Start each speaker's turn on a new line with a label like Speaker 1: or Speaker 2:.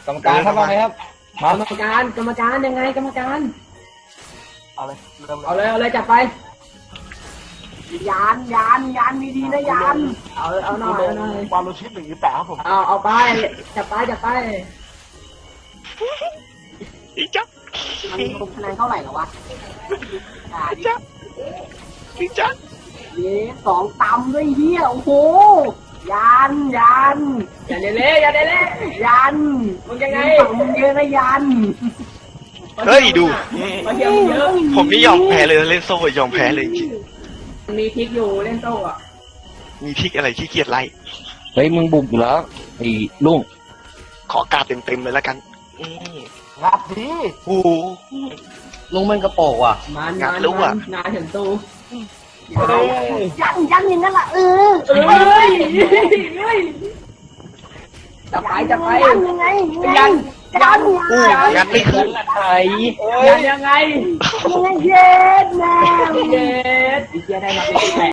Speaker 1: รรมการครับว่าไงครับ
Speaker 2: กรรมการยังไงกรรมการ
Speaker 3: เอาเลยเริ่ม
Speaker 2: เอาเลยจับไปยานมีดีนะยานเอาหน่อย
Speaker 3: วาโลชิป1 8ครับผม
Speaker 2: เอาไปจับไป
Speaker 4: อีจ๊ะ
Speaker 2: มันลงคะแนนเท่าไหร่แล้ววะ
Speaker 4: จ๊ะอีจ๊ะ
Speaker 2: สองตำด้วยเฮียโอ้โหยานอย่าเละยันมึงยังไงมึงเยอะนะยัน
Speaker 4: เฮ้ยดู
Speaker 2: มาเที่ยวเยอะ
Speaker 4: ผมนี่ยอมแพ้เลยเล่นโซ่ยอมแพ้เลยจริง
Speaker 2: มีพริกอยู่เล่นโซ่อะ
Speaker 4: มีพริกอะไรขี้เกียจไล่
Speaker 1: เฮ้ยมึงบุกอยู่แล้วไอ้ลุง
Speaker 4: ขอกาดเต็มเลยแล้วกัน
Speaker 3: งัดดี
Speaker 4: โอ้โห
Speaker 1: ลุงมันกระโปงว่ะ
Speaker 2: งานถึงตู้ยันอย่างนั้นล่ะจับไปยังไงยัน
Speaker 4: ไม่ขึ้น
Speaker 1: ไทย
Speaker 2: ยังไงเย็ดแม่เย็ดได้มาเป็น